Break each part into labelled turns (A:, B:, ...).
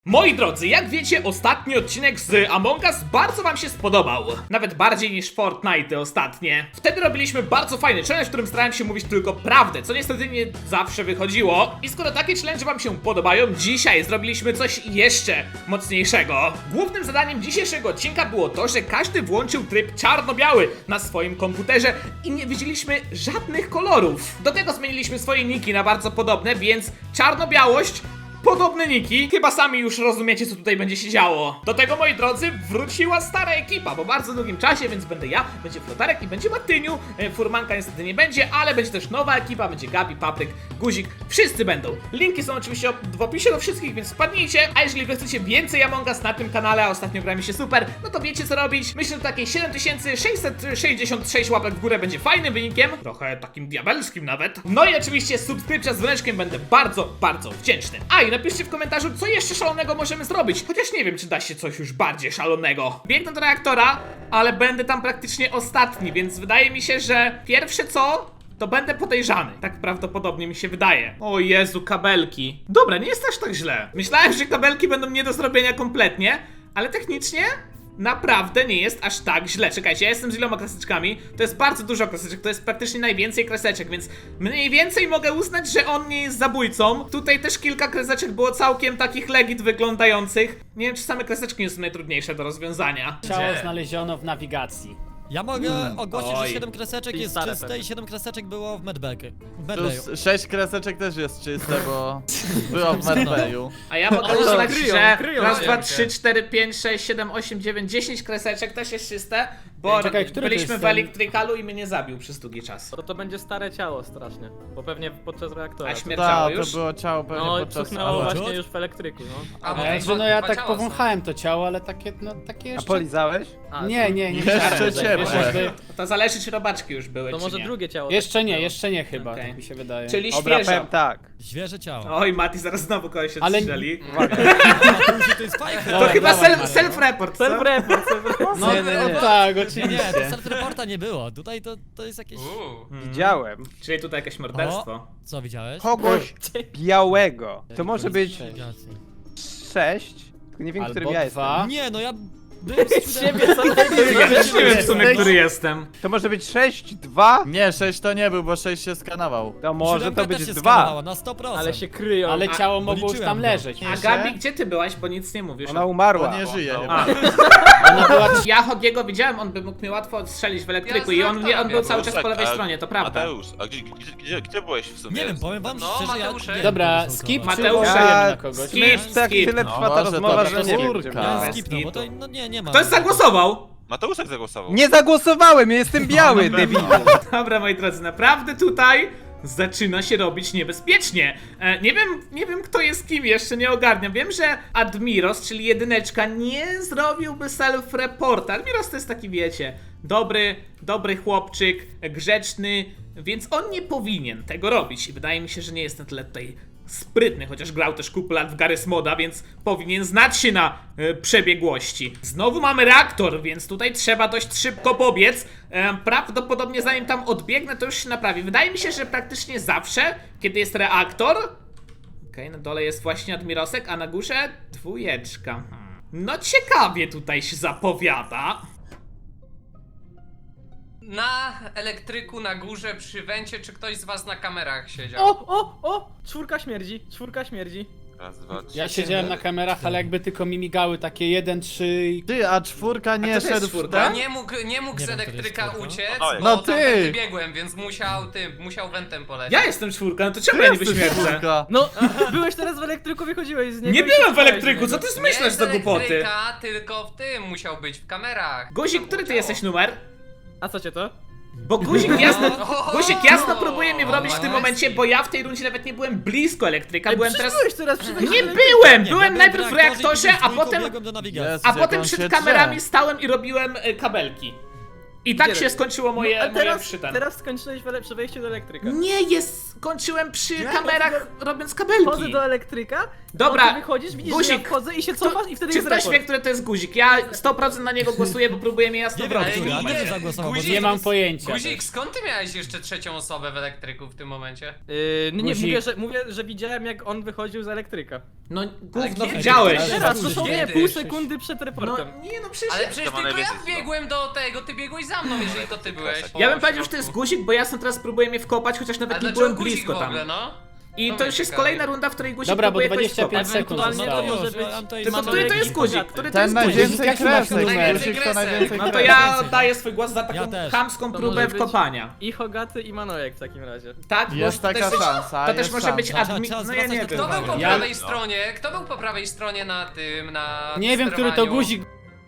A: Moi drodzy, jak wiecie, ostatni odcinek z Among Us bardzo wam się spodobał. Nawet bardziej niż Fortnite ostatnie. Wtedy robiliśmy bardzo fajny challenge, w którym starałem się mówić tylko prawdę, co niestety nie zawsze wychodziło. I skoro takie challenge wam się podobają, dzisiaj zrobiliśmy coś jeszcze mocniejszego. Głównym zadaniem dzisiejszego odcinka było to, że każdy włączył tryb czarno-biały na swoim komputerze i nie widzieliśmy żadnych kolorów. Do tego zmieniliśmy swoje niki na bardzo podobne, więc czarno-białość, podobne niki. Chyba sami już rozumiecie, co tutaj będzie się działo. Do tego, moi drodzy, wróciła stara ekipa po bardzo długim czasie, więc będę ja, będzie Flotarek i będzie Martyniu. Furmanka niestety nie będzie, ale będzie też nowa ekipa, będzie Gabi, Papryk, Guzik, wszyscy będą. Linki są oczywiście w opisie do wszystkich, więc wpadnijcie. A jeżeli wy chcecie więcej Among Us na tym kanale, a ostatnio gra mi się super, no to wiecie co robić. Myślę, że takiej 7666 łapek w górę będzie fajnym wynikiem, trochę takim diabelskim nawet. No i oczywiście subskrypcja z dzwoneczkiem, będę bardzo, bardzo wdzięczny. A i napiszcie w komentarzu, co jeszcze szalonego możemy zrobić. Chociaż nie wiem, czy da się coś już bardziej szalonego. Biegnę do reaktora, ale będę tam praktycznie ostatni, więc wydaje mi się, że pierwsze co, to będę podejrzany. Tak prawdopodobnie mi się wydaje. O Jezu, kabelki. Dobra, nie jest aż tak źle. Myślałem, że kabelki będą nie do zrobienia kompletnie, ale technicznie naprawdę nie jest aż tak źle. Czekajcie, ja jestem z iloma kreseczkami. To jest bardzo dużo kreseczek, to jest praktycznie najwięcej kreseczek, więc mniej więcej mogę uznać, że on nie jest zabójcą. Tutaj też kilka kreseczek było całkiem takich legit wyglądających. Nie wiem, czy same kreseczki nie są najtrudniejsze do rozwiązania.
B: Ciało znaleziono w nawigacji.
C: Ja mogę ogłosić,
A: Oj.
C: że 7 kreseczek jest
D: stare
C: czyste
D: pewnie.
C: i 7 kreseczek było w medbayu.
D: Plus 6 kreseczek też jest czyste, bo było w medbayu.
A: A ja mogę
D: Ale
A: uznać,
D: kryją,
A: że
D: kryją
A: raz,
D: się.
A: dwa, 3, 4, 5, 6, 7, 8, 9, 10 kreseczek też jest czyste, bo
B: Czekaj, który to
A: byliśmy
B: jest
A: w
B: ten?
A: elektrykalu i mnie nie zabił przez długi czas.
D: To będzie stare ciało strasznie, bo pewnie podczas reaktora.
A: A śmierciało
D: Tak,
A: już?
D: to było ciało pewnie No i podczas... cuchnęło
C: Ale-
D: właśnie już w elektryku, no.
B: Że no ja tak powąchałem to ciało, ale takie, no takie
E: A
B: jeszcze...
E: polizałeś?
D: A,
B: Nie
D: Jeszcze
B: chciałem,
D: ciepłe.
B: wiesz, jakby-
A: To zależy, czy robaczki już były,
D: To
A: czy
D: może
A: nie.
D: drugie ciało.
B: Jeszcze nie chyba,
A: Okej.
B: tak mi się wydaje.
A: Czyli
E: Dobra,
A: świeżo.
E: powiem tak.
C: Świeże ciało.
A: Oj, Mati, zaraz znowu kogoś
B: Ale-
A: odstrzeli.
C: To jest fajne.
A: To
B: Dobra,
A: chyba
B: dawaj, Mario.
A: self-report, co?
D: Self-report.
B: No,
E: Nie, nie, nie.
B: no tak,
C: Nie,
B: oczywiście.
C: to self-reporta nie było. Tutaj to jest jakieś...
E: Widziałem
A: Czyli tutaj jakieś morderstwo.
C: Co widziałeś?
E: kogoś białego. To może być
C: Sześć.
E: 6, tylko nie wiem,
B: Albo
E: którym ja jestem.
B: 2.
C: Nie, no ja byłem z
D: Ciebie
A: Ja też nie wiem w sumie, który jestem.
E: To może być 6, 2?
D: Nie, 6 to nie był, bo 6 się skanował.
E: To może
C: Siódemka
E: to być
C: też się
E: 2.
C: skanowała, na 100%.
D: Ale się kryją.
B: Ale
A: A,
B: ciało mogło już
C: policzyłem
B: tam
C: go.
B: leżeć.
A: A Gabi, gdzie ty byłaś, bo nic nie mówisz?
E: Ona umarła.
D: On nie żyje.
A: A.
B: Ona była...
A: Ja Hogiego widziałem, on by mógł mnie łatwo odstrzelić w elektryku i on był cały czas po lewej stronie, to prawda.
F: Mateusz, a gdzie byłeś w sumie?
C: Nie wiem, powiem wam
F: No,
C: szczerze,
F: Mateuszek.
C: ja...
B: Dobra,
C: nie
B: skip,
C: wiem,
B: czy
A: Mateusz,
B: głosujemy
E: Ja
B: na kogoś?
A: skip.
E: Tak
A: Skip.
E: tyle
D: No,
E: trwa ta
D: może
E: rozmowa,
D: to
E: że
D: bez
E: nie wiem,
D: skórka.
E: gdzie
C: Ja
E: byłem.
C: skipnął, bo to no, nie ma.
A: Ktoś zagłosował?
F: Mateuszek zagłosował.
E: Nie zagłosowałem, ja jestem biały, debilu.
A: Dobra, moi drodzy, naprawdę tutaj zaczyna się robić niebezpiecznie. Nie wiem kto jest kim, jeszcze nie ogarniam. Wiem, że Admiros, czyli jedyneczka, nie zrobiłby self-reporta. Admiros to jest taki, wiecie, dobry chłopczyk, grzeczny, więc on nie powinien tego robić. I wydaje mi się, że nie jest na tyle tutaj sprytny, chociaż grał też kupę lat w Garry's Moda, więc powinien znać się na przebiegłości. Znowu mamy reaktor, więc tutaj trzeba dość szybko pobiec. Prawdopodobnie zanim tam odbiegnę, to już się naprawi. Wydaje mi się, że praktycznie zawsze, kiedy jest reaktor... Okej, na dole jest właśnie Admirosek, a na górze dwójeczka. No ciekawie tutaj się zapowiada.
G: Na elektryku na górze przy wencie, czy ktoś z was na kamerach siedział?
D: O! Czwórka śmierdzi, czwórka śmierdzi.
F: Raz, dwa, trzy.
B: Ja siedziałem na kamerach, ale jakby tylko mi migały takie 1, 3 i...
D: Ty, a czwórka nie
A: A co to jest
D: szedł w
A: czwórka?
D: ten?
G: Nie mógł z
C: wiem, to
G: elektryka
C: jest
G: uciec,
F: No,
G: bo
D: no
G: tam
D: ty!
G: wybiegłem, więc musiał wentem polecieć.
A: Ja jestem czwórka, no to czemu
D: Ty
A: ja niby
D: jesteś
A: śmierdzę?
D: czwórka.
H: No, byłeś teraz w elektryku, wychodziłeś z niego.
A: Nie
H: i
A: byłem w
H: się
A: elektryku, co ty
G: Nie
A: zmyślasz
G: z
A: za głupoty?
G: elektryka, tylko w tym musiał być, w kamerach.
A: Guzik,
G: Tam
A: który ty
G: było
A: jesteś
G: ciało.
A: numer?
H: A co cię to?
A: Bo Guzik jasno próbuje mnie wrobić w tym
G: no,
A: momencie, bo ja w tej rundzie nawet nie byłem blisko elektryka, byłem teraz...
H: Byłeś teraz przy wejściu
A: Nie
H: do
A: byłem!
C: Nie,
A: Byłem
C: ja
A: najpierw w reaktorze,
C: i
A: a potem...
C: biegłem do nawigacji.
D: Jest.
A: A
D: Jak
A: potem
D: on się
A: przed
D: drze.
A: kamerami stałem i robiłem kabelki. I tak
H: Gdzie
A: się
H: robisz?
A: skończyło
H: A
A: moje
H: teraz,
A: przy ten.
H: teraz skończyłeś przy wejściu do elektryka.
A: Nie, skończyłem przy kamerach robiąc
H: Wchodzę
A: kabelki.
H: do elektryka,
A: Dobra,
H: ty wychodzisz, widzisz,
A: guzik.
H: że ja wchodzę i się cofasz i wtedy
A: Czy
H: jest
A: ktoś
H: rekord.
A: wie, który to jest guzik? Ja 100% na niego głosuję, bo próbuję mnie jasno
C: Nie wiem,
A: wrobić.
C: który, a nie zagłosował, bo
G: Guzik-
B: Nie mam pojęcia.
G: Guzik, skąd ty miałeś jeszcze trzecią osobę w elektryku w tym momencie?
H: Nie,
B: Guzik.
H: mówię, że widziałem jak on wychodził z elektryka.
A: No gówno
G: kiedy?
A: widziałeś.
C: Ale
H: Teraz,
C: Guzik,
H: dosłownie
G: kiedy?
H: pół sekundy przed
A: No
H: reportem.
A: nie, no przecież...
G: Ale przecież
F: To ma
G: tylko ja
F: najwięcej
G: biegłem do tego, ty biegłeś za mną, jeżeli to ty byłeś.
A: Ja bym powiedział, że to jest guzik, bo ja sam teraz próbuję mnie wkopać, chociaż
G: Ale
A: nawet nie
G: dlaczego
A: byłem
G: guzik
A: blisko
G: w
A: tam.
G: ogóle, no?
A: I
G: To
A: to
G: mnie
A: już jest
G: ciekawi.
A: kolejna runda, w której guzik
B: Dobra, bo
A: próbuje kogoś
B: 25
A: wkopać.
B: sekund
H: Ewentualnie to
B: zostało.
H: może być...
C: Tam to jest
A: Tylko
C: Manojek
A: który to
C: i
A: jest guzik?
H: Hogaty.
A: Który to
D: Ten
A: jest guzik?
D: najwięcej
B: Jaki masz
D: kresek,
B: numer?
D: guzik to
G: Kresek.
D: najwięcej
A: No to
D: kresek.
A: ja daję swój głos za taką
C: Ja też.
A: chamską
H: To
A: próbę
H: może być-
A: wkopania.
H: I Hogaty i Manojek w takim razie.
A: Tak, bo
D: Jest
A: to też
D: taka
A: być-
D: szansa,
A: To też
D: jest
A: może być
D: szansa.
A: admin...
C: Trzeba
A: No ja nie
C: zwracać
A: wiem.
G: Kto był po
B: Ja-
G: prawej stronie? Kto był po prawej stronie na tym, na
B: Nie wiem, który to
G: sterowaniu?
B: guzik.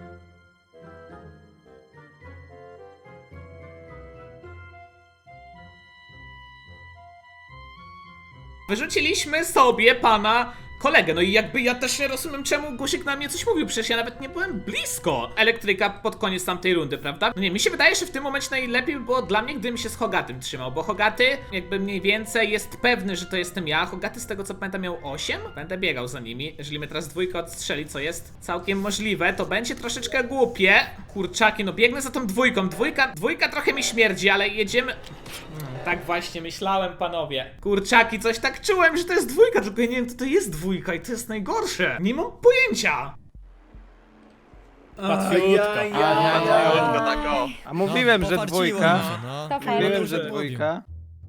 A: Wyrzuciliśmy sobie pana kolegę, no i jakby ja też nie rozumiem, czemu guzik na mnie coś mówił, przecież ja nawet nie byłem blisko elektryka pod koniec tamtej rundy, prawda? No nie, mi się wydaje, że w tym momencie najlepiej by było dla mnie, gdybym się z Hogatym trzymał, bo Hogaty jakby mniej więcej jest pewny, że to jestem ja. Hogaty z tego co pamiętam miał 8, będę biegał za nimi. Jeżeli mnie teraz dwójka odstrzeli, co jest całkiem możliwe, to będzie troszeczkę głupie. Kurczaki, no biegnę za tą dwójką, dwójka trochę mi śmierdzi, ale jedziemy... Tak właśnie myślałem, panowie. Kurczaki, coś tak czułem, że to jest dwójka, tylko ja nie wiem, co to jest dwójka i to jest najgorsze. Nie mam pojęcia.
B: Łatwiutko.
F: Tylko tak o.
E: A mówiłem, że
C: pofarciło
E: dwójka.
C: mi się, no.
I: To fajnie.
E: Mówiłem,
C: Dobrze
E: że
C: mówił.
E: dwójka.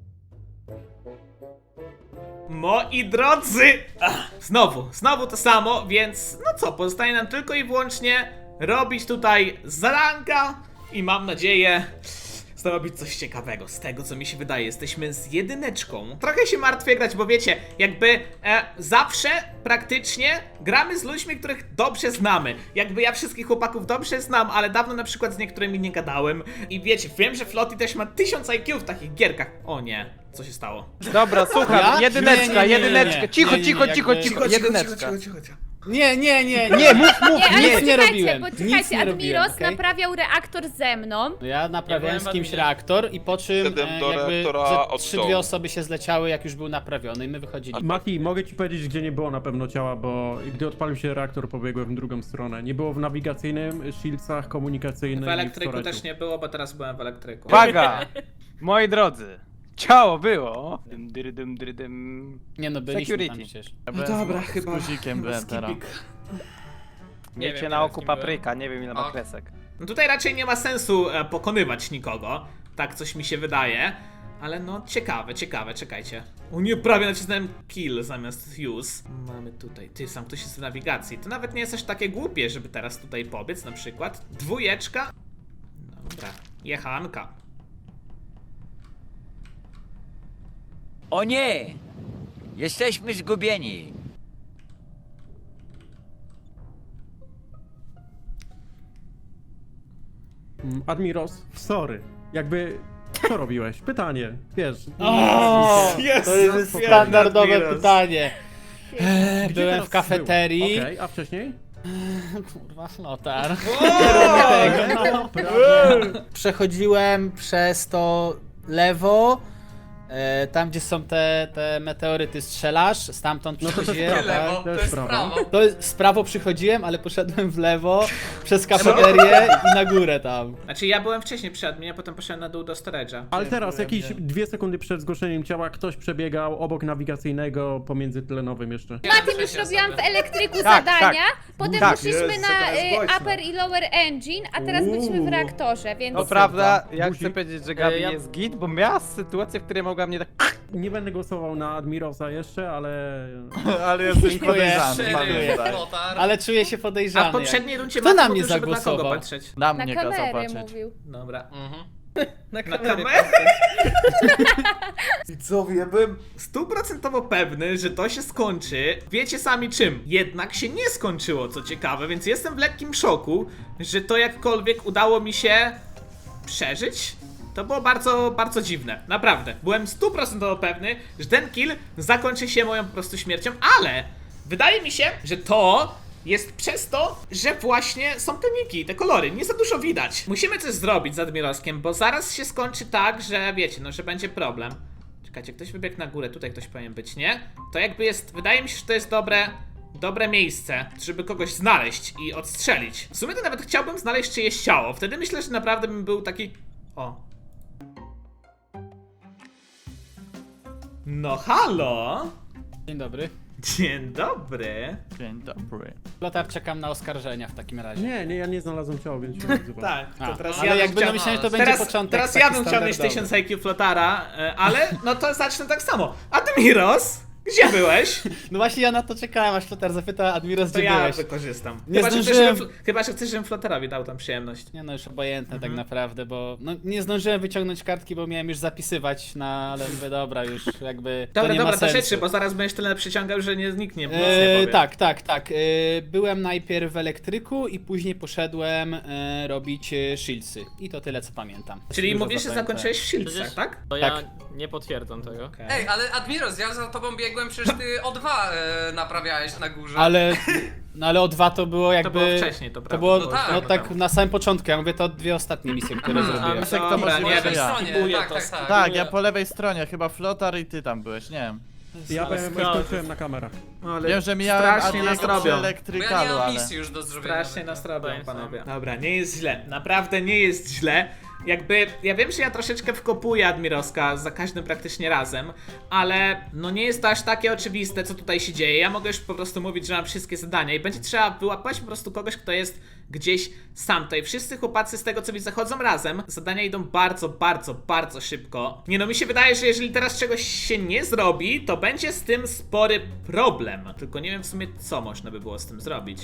A: Moi drodzy! Znowu to samo, więc no co, pozostaje nam tylko i wyłącznie robić tutaj zadanka i mam nadzieję zrobić coś ciekawego. Z tego co mi się wydaje, jesteśmy z jedyneczką. Trochę się martwię grać, bo wiecie, jakby zawsze praktycznie gramy z ludźmi, których dobrze znamy. Jakby ja wszystkich chłopaków dobrze znam, ale dawno na przykład z niektórymi nie gadałem. I wiecie, wiem, że Flotti też ma 1000 IQ w takich gierkach. O nie, co się stało?
E: Dobra, słucham,
B: Ja?
E: jedyneczka,
B: Nie.
E: jedyneczka. Cicho,
B: Nie,
E: cicho,
B: jakby-
E: cicho, jedyneczka.
B: Nie.
E: Nie, mów,
B: Nic nie
I: Czekajcie,
B: robiłem.
I: bo
B: Nic
I: czekajcie,
B: nie robiłem,
I: Admiros
B: okej?
I: naprawiał reaktor ze mną.
B: No ja naprawiałem
H: Ja
B: z
H: byłem
B: kimś
H: w adminie.
B: reaktor i po czym
F: Wszedłem do
B: jakby
F: reaktora
B: ze
F: od
B: 3-2
F: dołu.
B: osoby się zleciały, jak już był naprawiony i my wychodziliśmy.
J: Mati, mogę ci powiedzieć, gdzie nie było na pewno ciała, bo gdy odpalił się reaktor, pobiegłem w drugą stronę. Nie było w nawigacyjnym, shieldsach, komunikacyjnym
A: W
J: i
A: elektryku
J: storage'u.
A: też nie było, bo teraz byłem w elektryku.
E: Uwaga! Moi drodzy, ciało było. Dym, dym.
B: Nie no, byliśmy tam
E: Security.
B: przecież.
D: No dobra, chyba. Z guzikiem byłem teraz.
E: Miejcie
H: wiem,
E: na
H: teraz
E: oku
H: kim byłem.
E: papryka, nie wiem ile ma
G: O.
E: kresek.
A: No tutaj raczej nie ma sensu pokonywać nikogo. Tak coś mi się wydaje. Ale no ciekawe, czekajcie. O nie, prawie nacisnąłem kill zamiast use. Mamy tutaj, ty sam ktoś jest w nawigacji. To nawet nie jest aż takie głupie, żeby teraz tutaj pobiec na przykład. Dwójeczka. Dobra, jechanka.
K: O nie! Jesteśmy zgubieni.
J: Admiros, sorry. Jakby, co robiłeś? Pytanie, wiesz.
B: O, to jest standardowe
A: Admiros.
B: pytanie.
J: Gdzie
B: Byłem
J: teraz
B: w kafeterii.
J: był? Okej, a wcześniej?
B: Kurwa, flotar.
J: No, prawie.
B: Przechodziłem przez to lewo, tam gdzie są te meteoryty strzelasz, stamtąd
J: No to
B: przychodziłem.
J: jest
G: Lewo,
J: Tak,
G: to
J: to
G: jest
J: jest
G: prawo.
B: To jest, z prawo przychodziłem, ale poszedłem w lewo, przez kafeterię i na górę tam.
A: Znaczy ja byłem wcześniej przy adminie, potem poszedłem na dół do storage'a.
J: Ale teraz, jakieś 2 sekundy przed zgłoszeniem ciała, ktoś przebiegał obok nawigacyjnego pomiędzy tlenowym jeszcze.
I: Matim już robiłam w elektryku
E: Tak,
I: zadania, potem
E: Tak.
I: poszliśmy
A: Jezu,
I: na
A: jaka jest głośna.
I: upper i lower engine, a teraz byliśmy w reaktorze, więc...
E: To prawda, ja
J: Guzik.
E: chcę powiedzieć, że Gabi
H: Ja-
E: jest git, bo miała sytuację, w której mogła mnie tak...
J: Nie będę głosował na Admirosa jeszcze, ale...
D: Ale jesteś
B: Dziękuję.
D: podejrzany,
G: Szeryf,
D: pamiętaj.
G: Flotar.
B: Ale czuję się
A: A
B: podejrzany.
A: w poprzedniej rundzie
B: Kto
A: Mati
B: na
A: mówił,
B: mnie
A: żeby na kogo
B: zagłosował?
A: patrzeć.
D: Na
I: Na
D: mnie kazał
I: kamerę
D: patrzeć.
I: mówił.
A: Dobra.
G: Mhm.
H: Na
A: Na
H: kamerę.
A: kamerę? Widzowie, ja byłem 100% pewny, że to się skończy. Wiecie sami czym. Jednak się nie skończyło, co ciekawe, więc jestem w lekkim szoku, że to jakkolwiek udało mi się przeżyć. To było bardzo, bardzo dziwne. Naprawdę. Byłem 100% pewny, że ten kill zakończy się moją po prostu śmiercią, ale wydaje mi się, że to jest przez to, że właśnie są te niki, te kolory, nie za dużo widać. Musimy coś zrobić z Admiroskiem, bo zaraz się skończy tak, że wiecie, no, że będzie problem. Czekajcie, ktoś wybiegł na górę, tutaj ktoś powinien być, nie? To jakby jest, wydaje mi się, że to jest dobre miejsce, żeby kogoś znaleźć i odstrzelić. W sumie to nawet chciałbym znaleźć czyjeś ciało, wtedy myślę, że naprawdę bym był taki... O. No halo!
B: Dzień dobry.
A: Dzień dobry.
D: Dzień dobry.
B: Lotar, czekam na oskarżenia w takim razie.
J: Nie, ja nie znalazłem ciała, więc się nie odzywam.
A: Tak, to
B: A,
A: teraz
B: ale
A: ja bym
B: jakby
A: chciał...
B: no myślałem, że to będzie początek
A: Teraz
B: taki
A: ja bym chciał mieć
B: standardowy.
A: 1000 IQ Flotara, ale no to zacznę tak samo. Admiros, gdzie byłeś?
B: No właśnie ja na to czekałem, aż Lotar zapyta Admiros,
A: To
B: gdzie
A: ja
B: byłeś.
A: wykorzystam.
B: Nie
A: Chyba,
B: zdążyłem.
A: że chcesz, żebym Flotarowi dał tam przyjemność.
B: Nie no, już obojętne tak naprawdę, bo no, nie zdążyłem wyciągnąć kartki, bo miałem już zapisywać, ale mówię, dobra, już jakby to
A: Dobra,
B: nie ma
A: dobra, to
B: sensu.
A: rzeczy, bo zaraz będziesz tyle przyciągał, że nikt nie powie.
B: Tak. Byłem najpierw w elektryku i później poszedłem robić shieldsy. I to tyle, co pamiętam.
A: Czyli
B: Dużo
A: mówisz, że
B: zapamiętałem.
A: zakończyłeś w Shieldsach,
H: Przecież-
A: tak?
H: To ja
B: Tak.
H: nie potwierdzam tego.
A: Okej.
G: Ej, ale Admiros, ja za tobą biegłem, przecież ty O2 naprawiałeś na górze.
B: Ale o 2 to było jakby...
A: było wcześniej, to prawda.
B: To było
G: No tak,
B: no,
G: no
B: tak
A: tak.
B: na samym początku, ja mówię to dwie ostatnie misje, które zrobiłem.
D: Misek to
A: Dobra,
D: możliwe,
A: nie
D: że
A: wiem,
D: ja.
G: stronie,
A: skipuję
G: tak,
A: to,
G: tak, tak.
D: Tak, ja po lewej stronie, chyba Flotar i ty tam byłeś, nie wiem.
J: Ja
B: Ale
J: byłem,
B: skąd?
J: skończyłem na kamerach.
A: Ale
D: Wiem, że mijałem
A: strasznie nas
D: Adiego przy
A: robią.
G: Bo ja nie
D: elektrykalu,
G: mam
D: ale...
G: misji już do zrobienia.
A: Strasznie nas robią,
H: Powiem sam.
A: panowie. Dobra, nie jest źle. Naprawdę nie jest źle. Jakby, ja wiem, że ja troszeczkę wkopuję Admiroska za każdym praktycznie razem, ale no nie jest to aż takie oczywiste, co tutaj się dzieje. Ja mogę już po prostu mówić, że mam wszystkie zadania i będzie trzeba wyłapać po prostu kogoś, kto jest gdzieś sam. Tutaj wszyscy chłopacy z tego, co widzę, zachodzą razem. Zadania idą bardzo szybko. Nie no, mi się wydaje, że jeżeli teraz czegoś się nie zrobi, to będzie z tym spory problem. Tylko nie wiem w sumie, co można by było z tym zrobić.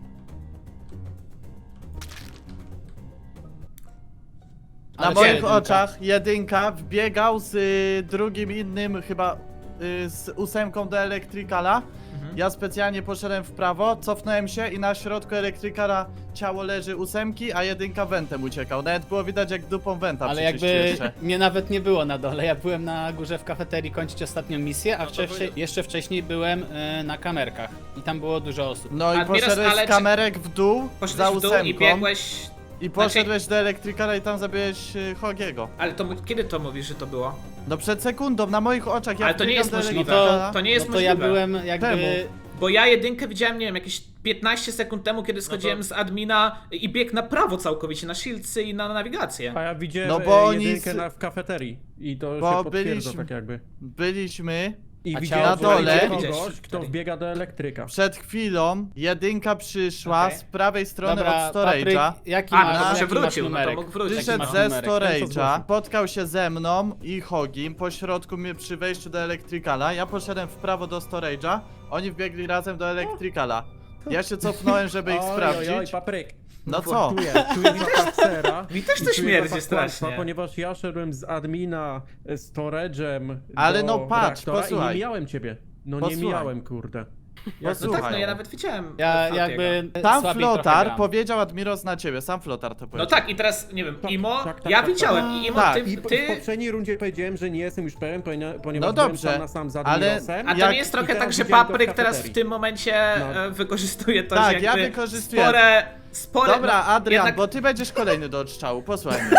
D: Na
B: Ale
D: moich
B: jedynka.
D: oczach jedynka wbiegał z drugim innym chyba z 8 do elektrykala. Ja specjalnie poszedłem w prawo, cofnąłem się i na środku elektrykala ciało leży 8, a jedynka wentem uciekał. Nawet było widać jak dupą wenta
B: Ale
D: przyczyścił
B: jakby
D: jeszcze.
B: mnie nawet nie było na dole, ja byłem na górze w kafeterii kończyć ostatnią misję, a jeszcze wcześniej byłem na kamerkach i tam było dużo osób.
D: No i
A: Admiros,
D: poszedłeś
A: ale
D: z kamerek w dół za
A: Poszedłeś w dół
D: 8
A: i biegłeś...
D: i poszedłeś do elektrykala i tam zabiłeś Hogiego.
A: Ale to kiedy to mówisz, że to było?
D: No przed sekundą, na moich oczach, jak
A: Ale to nie
D: biegam
A: jest
D: do
A: możliwe.
D: elektrykala-
A: To nie jest
B: no to ja
A: możliwe.
B: byłem jakby...
D: Czemu?
A: Bo ja jedynkę widziałem, nie wiem, jakieś 15 sekund temu, kiedy schodziłem z admina i biegł na prawo całkowicie, na shieldsy i na nawigację.
J: A ja widziałem
D: No bo oni
J: jedynkę w kafeterii i to
D: Bo
J: się potwierdza
D: byliśmy-
J: tak jakby.
D: Byliśmy
J: I
B: A
J: widziałem
B: ciało
D: na dole?
J: kogoś, kto wbiega do elektryka.
D: przed chwilą, jedynka przyszła
A: Okej.
D: z prawej strony
B: Dobra,
D: od storage'a.
B: Papryk, jaki
A: A,
B: masz,
A: no to może
B: jaki masz
A: wrócił, no to
B: numerek?
A: mógł wrócić.
B: Jaki
D: Wyszedł
B: masz
D: ze
B: numerek?
J: Ten, co
D: storage'a,
J: zgłosił.
D: spotkał się ze mną i Hogim po środku mnie przy wejściu do elektrykala. Ja poszedłem w prawo do storage'a, oni wbiegli razem do elektrykala. Ja się cofnąłem, żeby ich
J: Oj,
D: sprawdzić.
J: papryk.
D: No co?
J: Czuję zapach sera.
A: Mi też to
J: I czuję
A: śmierdzi
J: zapach
A: strasznie.
J: kłamstwa, ponieważ ja szedłem z admina storage'em
D: Ale
J: do
D: no patrz,
J: reaktora
D: posłuchaj.
J: i nie mijałem ciebie. No nie
D: Posłuchaj.
J: mijałem, kurde.
A: No
D: Posłuchaj.
A: tak, no ja nawet widziałem.
B: Ja
A: Flotiego.
B: jakby
D: Tam
B: słabiej trochę
D: Flotar
B: gram.
D: powiedział Admiros na ciebie, sam Flotar to
A: No
D: powiedział.
A: tak, i teraz, nie wiem,
J: Tak,
A: Imo,
J: tak,
A: ja
J: tak,
A: widziałem
J: tak.
A: i Imo,
D: Tak.
J: I w
A: ty...
J: poprzedniej rundzie powiedziałem, że nie jestem już pewien, ponieważ
D: No
J: byłem
D: dobrze,
J: sam na sam z
D: ale-
J: Admirosem.
A: A to
D: Jak-
A: nie jest
J: i
A: trochę
J: teraz
A: tak, że
J: widziałem go w
A: Papryk teraz w
J: kafeterii.
A: tym momencie
J: No.
A: wykorzystuje to,
D: Tak,
A: że
D: ja
A: jakby
D: wykorzystuję.
A: spore...
D: Dobra,
A: no,
D: Adrian,
A: jednak-
D: bo ty będziesz kolejny do odstrzału, posłuchaj mnie.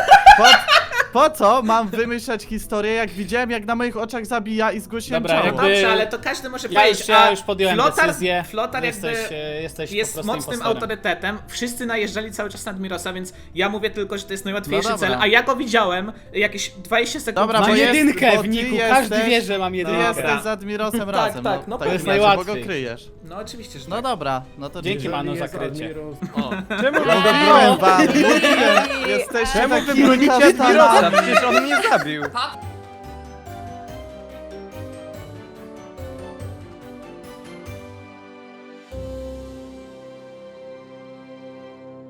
D: Po co mam wymyślać historię, jak widziałem, jak na moich oczach zabija i zgłosiłem
B: Dobra,
D: ciało?
B: jakby-
A: Dobrze, ale to każdy może
B: Ja
A: powiedzieć,
B: już podjąłem decyzję.
A: Flotar jakby
B: Jesteś po
A: jest
B: prostu
A: mocnym
B: impostorem.
A: autorytetem, wszyscy najeżdżali cały czas na Admirosa, więc ja mówię tylko, że to jest najłatwiejszy
D: No dobra.
A: cel, a ja go widziałem jakieś 20 sekund
D: Dobra,
B: Mam
D: bo jest-
B: jedynkę
D: bo
B: w
D: ty
B: niku, każdy
D: jesteś-
B: wie, że mam
D: Ty
B: jedynkę.
D: jesteś z Admirosem
A: Tak,
D: razem,
A: tak, no
D: tak
A: to
B: jest
D: wiecie, bo go
B: najłatwiej.
D: kryjesz.
A: No oczywiście, że
D: No
A: tak.
D: dobra, no to
B: Dzięki,
D: dzięki.
B: Manu,
J: Jeżeli
B: za
J: jest
B: krycie.
J: Admiros-
H: Czemu
D: Mówiłem wam, mówiłem, jesteście
I: Czemu
D: taki
E: Bronicie
D: kastanami.
E: Admirosa, przecież on mnie zabił.